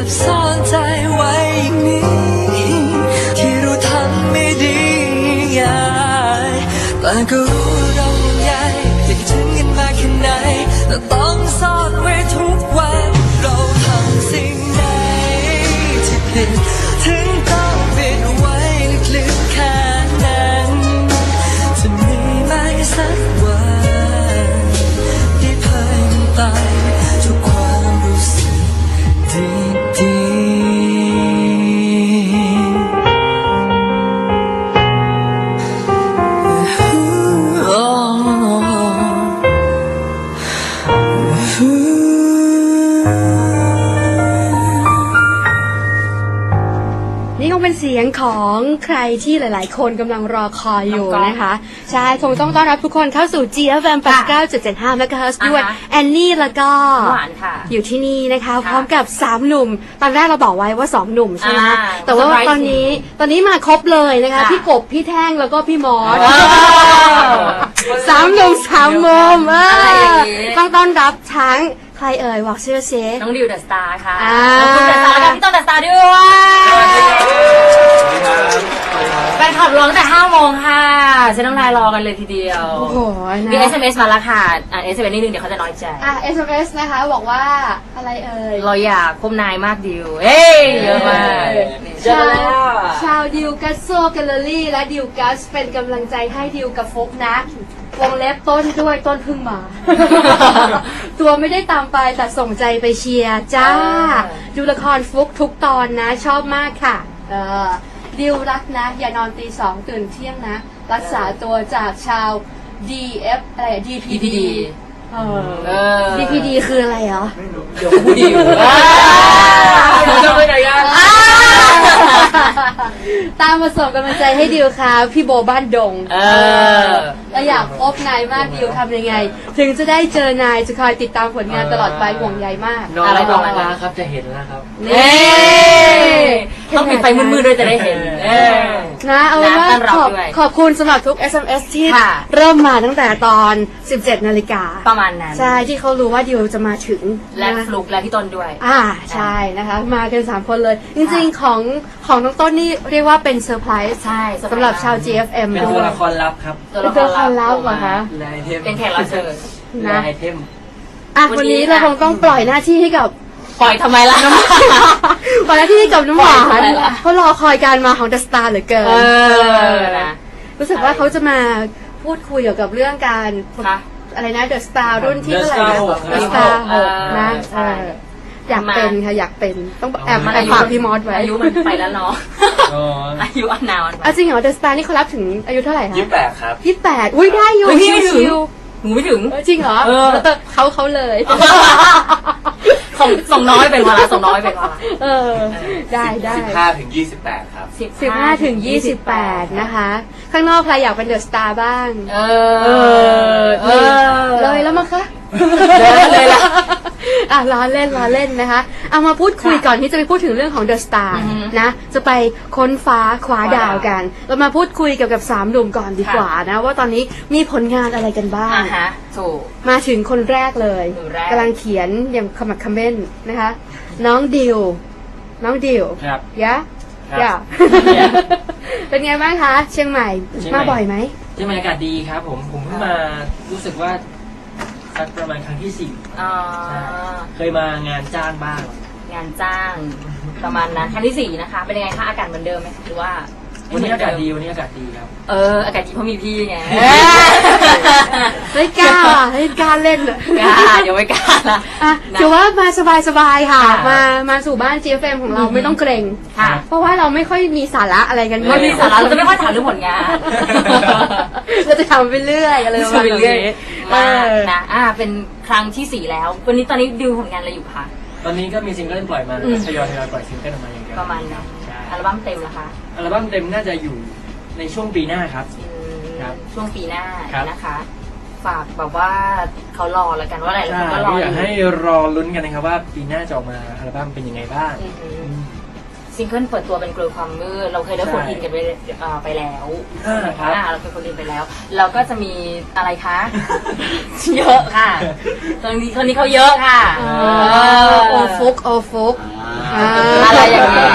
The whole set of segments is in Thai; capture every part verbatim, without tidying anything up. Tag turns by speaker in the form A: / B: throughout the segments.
A: บซ่อนใจไว้อย่างนี้ที่เราทำไม่ดีง่ายแต่ก็รู้เราห่วงใยคิดถึงกันมากแค่ไหนแต่ต้องซ่อนไว้ทุกวันเราทำสิ่งใดที่ผิดถึงต้องปิดไว้ลึกๆแค่นั้นจะมีไหมสักวันได้เผยมันไปทุกความรู้สึกดี
B: นี่คงเป็นเสียงของใครที่หลายๆคนกำลังรอคอยอยู่นะคะใช่คงต้องต้อนรับทุกคนเข้าสู่ จี เอฟ เอ็ม แปดสิบเก้าจุดเจ็ดห้า เมกะเฮิรตซ์ ด้วยแอนนี่แล้วก็
C: หวานค่ะ
B: อยู่ที่นี่นะคะพร้อมกับสามหนุ่มตอนแรกเราบอกไว้ว่าสองหนุ่มใช่ไหมแต่ว่าตอนนี้ตอนนี้มาครบเลยนะคะพี่กบพี่แท่งแล้วก็พี่มอสสามหนุ่มสามมุมต้องต้อนรับทั้งใครเอ่ยบอกชื่อเซ
C: น้องดิวเดอะสตาร์ค่ะขอบคุณเดอะสตาร์กับพี่ต้นเดอะสตาร์ด้วยแฟนคลับร้องแต่ห้าโมงค่ะฉันต้องไลน์รอกันเลยทีเดียว
B: โอ้โห
C: มี เอส เอ็ม เอส มาแล้วค่ะอ่าน เอส เอ็ม เอส นิดนึงเดี๋ยวเขาจะน้อยใจ
B: อ่ะ เอส เอ็ม เอส นะคะบอกว่าอะไรเอ่ย
C: เราอยากพบนายมากดิวเฮ้ยเยอะมาก
B: ชาวชาวดิวกัสโซแกลเลอรี่และดิวกัสเป็นกำลังใจให้ดิวกับฟุกนะวงเล็บต้นด้วยต้นพึ่งมา ตัวไม่ได้ตามไปแต่ส่งใจไปเชียร์จ้าดูละครฟุกทุกตอนนะชอบมากค่ะเออดิวรักนะอย่านอนตีสองตื่นเที่ยงนะรักษาตัวจากชาว ดี เอฟ อะไร ดี พี ดี เออ ดี พี ดี คืออะไรเหรอ
C: เดี๋ยวพูดดิวจะไปไหนกัน
B: ตามมาส่งกำลังใจให้ดิวค่ะพี่โบบ้านดงเออแล้วอยากพบนายมากดิวทำยังไงถึงจะได้เจอนายจะคอยติดตามผลงานตลอดไปห่วงใยมาก
D: อะไรประมาณนั้นครับจะเห็นแล้วครับ
C: นี่ต้องปิดไฟมืดๆด้วยจะได้เห็น
B: นะเอาเป็นว่าขอบขอบคุณสำหรับทุก เอส เอ็ม เอส ที่เริ่มมาตั้งแต่ตอน สิบเจ็ดนาฬิกา
C: ประมาณนั้น
B: ใช่ที่เขารู้ว่าดิวจะมาถึง
C: และฟลุกและพี่ต้นด้วย
B: อ่าใช่นะคะมากันสามคนเลยจริงๆของของน้องต้นนี่เรียกว่าเป็นเซอร์ไพรส์
C: ใช่
B: สำหรับชาว จี เอฟ เอ็ม
D: เป็นตัวละครลับครับ
B: เป็นตัวละครลับเหรอคะ
C: เป็นแขกรับเชิญ
B: นะ
D: ไอเทม
B: อ่ะวันนี้เราคงต้องปล่อยหน้าที่ให้กับ
C: ปล่อยทำไมล่ะน้
B: ำปล่อยหน้าที่ให้กับน้ำหวานเพราะรอคอยการมาของเดอะสตาร์เหลือเกินรู้สึกว่าเขาจะมาพูดคุยเกี่ยวกับเรื่องการอะไรนะเดอะสตาร์รุ่นที่เท่าไหร่นะเดอะสตาร์หกนะอยากเป็นค่ะอยากเป็นต้องแอบแอบฝากพี่มอสไว้
C: อายุมันไปแล้วเนาะอายุอันนาน
B: อ่ะจริงเหรอเดอะสตาร์นี่เขารับถึงอายุเท่าไหร่คะ
D: ยี่สิบแปดครับ
B: ยี่สิบแปดอุ้ยได้อยู่
C: พี่ไม่ถึงหนูไม่ถึง
B: จริงเหรอเขาเขาเลย
C: ส่งส่งน้อยเป็นวาระส่งน้อยเป็นวาระ
B: เออได้ได้
D: สิบห้าถึงยี่สิบแปดครับ
B: สิบห้าถึงยี่สิบแปดนะคะข้างนอกใครอยากเป็นเดอะสตาร์บ้าง
C: เอ
B: อเลยแล้วมั้งคะ
C: เลยละ
B: อ่ะล้อเล่นล้อเล่นนะคะเอามาพูดคุยก่อนที่จะไปพูดถึงเรื่องของเดอะสตาร์นะจะไปค้นฟ้าคว้าดาวกันเรามาพูดคุยเกี่ยวกับสามหนุ่มก่อนดีกว่านะว่าตอนนี้มีผลงานอะไรกันบ้าง
C: ถูก
B: มาถึงคนแรกเลยกำลังเขียนอย่างขมักเขม้นนะคะน้องดิวน้องดิว
D: ครับ
B: ยะยะเป็นไงบ้างคะเชียงใหม่มาบ่อยไหม
D: เชียงใหม่อากาศดีครับผมผมเพิ่งมารู้สึกว่าสักประมาณครั้งที่สี่เคยมางานจ้างบ้าง
C: งานจ้างประมาณนั้นครั้งที่สี่นะคะเป็นยังไงคะอากาศเหมือนเดิมไหมหรือว่า
D: วันนี้อากาศดีวันนี้อากาศดีครับ
C: เอออากาศดีเพราะมีพี่ไง
B: ไม่กล้าไม่กล้าเล่นเลย
C: กล้าเดี๋ยวไม่กล้าละ
B: ถือว่ามาสบายๆค่ะมามาสู่บ้าน จี เอฟ เอ็ม ของเราไม่ต้องเกรงเพราะว่าเราไม่ค่อยมีสาระอะไรกัน
C: ไม่มีสาระเราจะไม่ค่อยถามเรื่องผลงาน
B: เราจะทำไปเรื่อยอะไร
C: ไปเรื่อยนะอ่าเป็นครั้งที่สี่แล้ววันนี้ตอนนี้ดูผลงานอะไรอยู่คะ
D: ตอนนี้ก็มีซิงเกิลปล่อยมาทยอยทยอยปล่อยซิงเกิลออกมาอย่างเดียว
C: ประมาณนั้นอัลบั้มเต็มเหรอคะ
D: อัลบั้มเต็มน่าจะอยู่ในช่วงปีหน้าครับ
C: ครับช่วงปีหน้านะคะฝากแบบว่าเขารอแล้วกันว่าอะไรแล้วก็รอ
D: อยากให้รอลุ้นกันนะครับว่าปีหน้าจะออกมาอัลบั้มเป็นยังไงบ้าง
C: ซิงเกิลเปิดตัวเป็นกลัวความมืดเราเคยได้โฟนอินกันไปเอ่อไปแล้ว
D: อ่าครับ
C: อ่าเราเคยโฟนอินไปแล้วเราก็จะมีอะไรคะ เยอะค่ะคนนี้คนนี้เขาเยอะค่ะ
B: อ๋อ
C: เออ
B: โอฟุกโอฟุกอ่า
C: อะไรอย่างนี้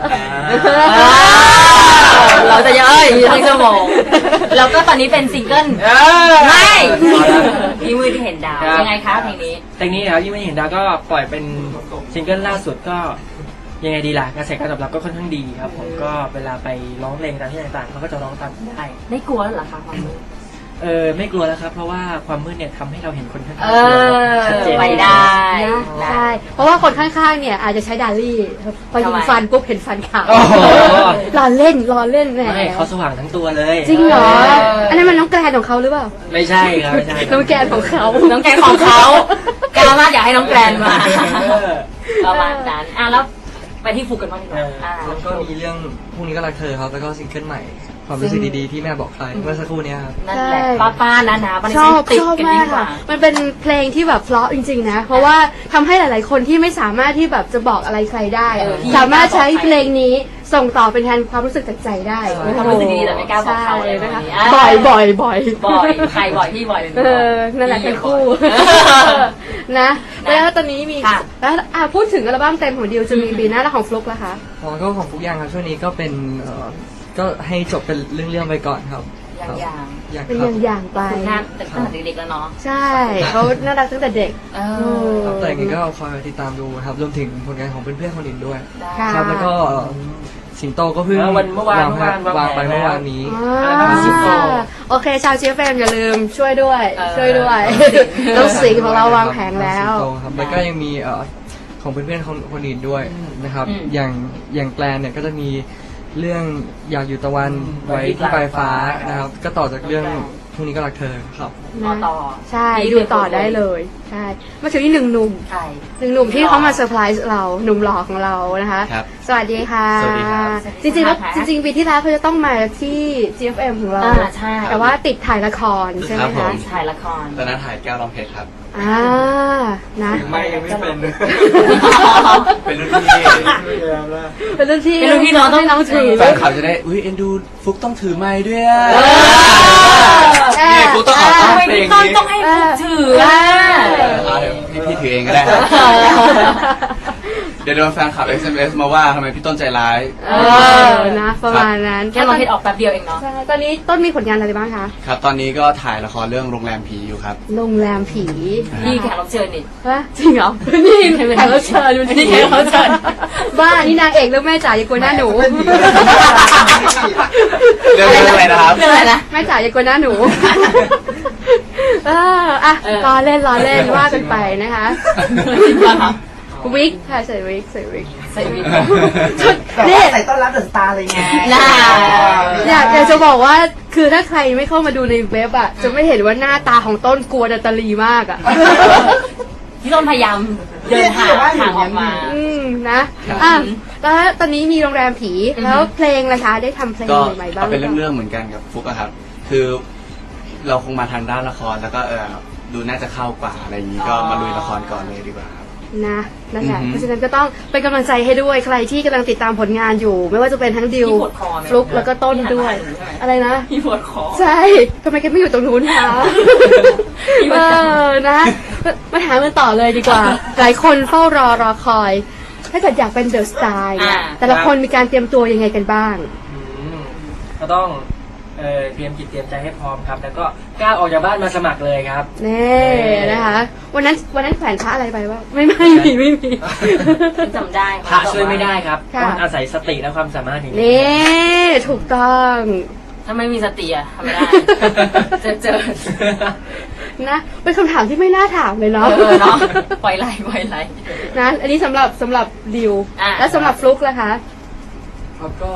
C: เราจะเยอะอยู่ทั้งชั่วโมงแล้วก็ตอนนี้เป็นซิงเกิลไม่พี่มือที่เห็นดาวยังไงคะเพลงนี้
D: เพลงนี้นะครับที่ไม่เห็นดาวก็ปล่อยเป็นซิงเกิลล่าสุดก็ยังไงดีล่ะกระแสการตอบรับก็ค่อนข้างดีครับผมก็เวลาไปร้องเพลงตามที่ต่างๆเขาก็จะร้องตามได้
C: ไม่กลัวเหรอคะความมืด
D: เออไม่กลัวแล้วครับ เพราะว่าความมืดเนี่ยทำให้เราเห็นคนข้างๆ
C: เออ
D: ชัดเจน
C: ไปได้
B: ใช่ เพราะว่าคนข้างๆ เนี่ยอาจจะใช้ดาลี่พอยิงฟันปุ๊บเห็นฟันขาว
D: โอ้โห
B: รอเล่นรอเล่นแหม
D: ไม่เขาสว่างทั้งตัวเลย
B: จริงเหรอ
C: เอออั
B: อันนั้นมันน้องแกรนของเขาหรือเปล่า
D: ไม่ใช่ครับไม่ใช่
B: น้องแกรนของเขา
C: น้องแกรนของเขากล้ามากอยากให้น้องแกรนมา
D: เออ
C: ประมาณนั้นอ่ะแล้วไปที่ฟุกกันบ้างดีกว่าอ่า
A: แล้วก็มีเรื่องพรุ่งนี้ก็รักเธอครับแล้วก็ซิงเกิลใหม่ความรู้สึกดีๆที่แม่บอกใครเมื่อสักครู่เนี้ยครับ
C: นั่นแหละป้าป้าๆนะนะมัน
B: ชอบ
C: ติด
B: ชอบ
C: กัน
B: มา
C: ดี
B: ก
C: กว่า
B: ค่ะ มันเป็นเพลงที่แบบเพราะจริงๆนะ เพราะว่าทำให้หลายๆคนที่ไม่สามารถที่แบบจะบอกอะไรใครได้
C: เออที่
B: สามารถใช้เพลงนี้ส่งต่อเป็นแทนความรู้สึกจากใจได้
C: เออความรู้สึกดีๆแต่ไม่กล้าบอกเขาอะไร
B: ใช่
C: แบบ
B: นะคะ
C: นี้อ่ะ
B: บ่อยบ่อยบ่อย
C: บ่อยใครบ่อยพี่บ่อย
B: เออนั่นแหละเป็นคู่ นะ แล้วตอนนี้มี
C: ค่ะ
B: แล้วอ่ะพูดถึงอัลบั้มเต็มของดิวจะมีปีหน้าแล้วของฟลุกล่ะคะ
A: ของก็ของฟุกยังครับช่วงนี้ก็เป็นเอ่อก็ให้จบเป็นเรื่องๆไปก่อนครับ
C: อย่างอย่าง
A: อย่าง
B: เป็น
A: ค
B: อ
A: รับ
B: ย่างๆไป
C: คุณน่าตั้งแต่เด็กๆแล้วเนาะ
B: ใช่เขาน่ารักตั้งแต่เด็ก
C: เอ
B: เอ
C: อ
A: ครับแต่ยังไงก็คอยติดตามดูครับรวมถึงผลงานของเพื่อนๆคนอื่นด้วย
C: ได้
B: ค่ะ
A: ครับแล้วก็สิงโตก็เพิ่ง
D: เออวันเมื่อวาน
A: ง
D: เมื่อวาน
A: วางไป
D: วางแผน
A: เมื่อวานนี้
B: อ่าโอเค ชาวเชียร์แฟนอย่าลืมช่วยด้วย
C: เออ
B: ช่วยด้วยน้องสิงห์ของเราวางแผงแล้ว
A: สิงโตครับแล้วก็ยังมีเอ่อของเพื่อนๆคนคนอื่นด้วยนะครับ
C: อืม
A: อย่างอย่างแกลนเนี่ยก็จะมีเรื่องอยากอยู่ตะวัน
D: อืม
A: ไว้ที่ปลายฟ้านะครับ ก็ต่อจากเรื่องพรุ่งนี้ก็รักเธอครับ
C: ต่อต่อ
B: ใช่ดูต่อได้เลยใช่มาถึงที่หนึ่งหนุ่ม
C: ใช่
B: หนึ่งหนุ่มที่เขามาเซอร์ไพรส์เราหนุ่มหล่อของเรานะคะ
E: ครับ
B: สวัสดีค่ะ
E: สวัสดีครับ
B: จริงๆแล้วจริงๆปีที่แล้วเขาจะต้องมาที่ จี เอฟ เอ็ม ของเรา
C: อ่าใช่
B: แต่ว่าติดถ่ายละครใช่ไหม
E: ครับผ
B: คะ
E: ม
C: ถ่ายละคร
E: ตอนนั้นถ่ายแก้วร้องเพชรครับ
B: อ่านะ
A: ไม่ยังไม่เป็น
E: เป็นรุ่นพี่
B: เป็นรุ่นพี่
C: เป็นรุ่นพี่น้องต้อง
B: ให้น้องถือ
E: แฟนคลับจะได้ อุ้ยเอ็นดูฟุกต้องถือไม้ด้วยอะ
B: เออ
E: นี่ฟุกต้องเอา
C: ทำ
E: เอา
C: ไม
E: เพล
C: พี่
E: ง
C: ต้น
E: นี้
C: ต้องให้ฟุกถืออ่ะ
E: เอาเดี๋ยวให้พี่ถือเองก็ได้ครับเดี๋ยวโดนแฟนคลับ เอส เอ็ม เอส มาว่าทำไมพี่ต้นใจร้าย
B: เออนะประมาณนั้น
C: แค่เราเห็นออกแป๊บเดียวเองเนาะ
B: ใช่ตอนนี้ต้นมีผลงานอะไรบ้างคะ
E: ครับ ตอนนี้ก็ถ่ายละครเรื่องโรงแรมผีอยู่ครับ
B: โรงแรมผี
C: นี่แขกรับเชิญนี่
B: ฮะจริงเหรอ นี่แขกรับเชิญดู
C: นี่แขกรับเชิญ
B: บ้านี่นางเอกเรื่องแม่จ๋าอย่ากลัวหน้าหนู
E: เรื่องอะไรนะครับ
C: เรื่องอะไรนะ
B: แม่จ๋าอย่ากลัวหน้าหนูเอออ่ะ
C: เออ
B: รอเล่นรอเล่นว่ากันไปนะคะ
C: จริงป่ะคะ
B: วิกค่ะใส่วิกใส่วิก
C: ใส่วิก
B: นี่
F: ใส่ต้อนรับเดอะสตาร์เลยไง
C: น่า
B: อยากอยากจะบอกว่าคือถ้าใครไม่เข้ามาดูในเว็บอ่ะจะไม่เห็นว่าหน้าตาของต้นกลัวนาตาลีมากอ่ะ
C: พี่ต้นพยายามเดินหาทางออกมา
B: อืมนะอ่ะแล้วตอนนี้มีโรงแรมผีแล้วเพลงล่ะคะได้ทำเพลง
E: ก็
B: ใหม่ๆบ้าง
E: เอาเป็น
B: หปล่า
E: เรื่องๆเหมือนกันกับฟุกอะครับ คือเราคงมาทางด้านละครแล้วก็เออดูน่าจะเข้ากว่าอะไรอย่างนี้ก็มาลุยละครก่อนเลยดีกว่าครับ
B: นะนั่นแหละ
E: อือฮึ
B: เพราะฉะนั้นก็ต้องเป็นกำลังใจให้ด้วยใครที่กำลังติดตามผลงานอยู่ ไม่ว่าจะเป็นทั้งดิว
C: พี่ปวดคอไหม
B: ฟลุกแล้วก็ต้นด้วย อะไรนะ
C: พี่ปวดคอ
B: ใช่ทำไมแกไม่อยู่ตรงนู้นคะ
C: พี่
B: เอ
C: ว่า
B: อนะมาถามกันต่อเลยดีกว่า หลายคนเฝ้ารอรอคอย ถ้าเกิดอยากเป็นเดอะสตาร์เนี่ย
C: อ่า
B: แต่ละคนมีการเตรียมตัวยังไงกันบ้าง
D: อืมก็ต้องเอ่อเตรียมจิตเตรียมใจให้พร้อมครับ แล้วก็กล้าออกจากบ้านมาสมัครเลยครับ
B: นี่นะคะ วันนั้นวันนั้นแขวนพระอะไรไปวะไม่ไม่มีไม่มี
C: จำได้
D: พระช่วยไม่ได้ครับ
B: ค่ะ
D: ต้องอาศัยสติและความสามารถอย่างนี้
B: นี่ถูกต้อง
C: ถ้าไม่มีสติอะทำไม่ได้ เจอเจอ
B: นะเป็นคำถามที่ไม่น่าถามเลย
C: เอ
B: เนาะ
C: อเนาะปล่อยไหลปล่อยไหล
B: นะอันนี้สำหรับสำหรับดิว
C: อ่ะ
B: และสำหรับฟลุกล่ะคะ
A: ครับก็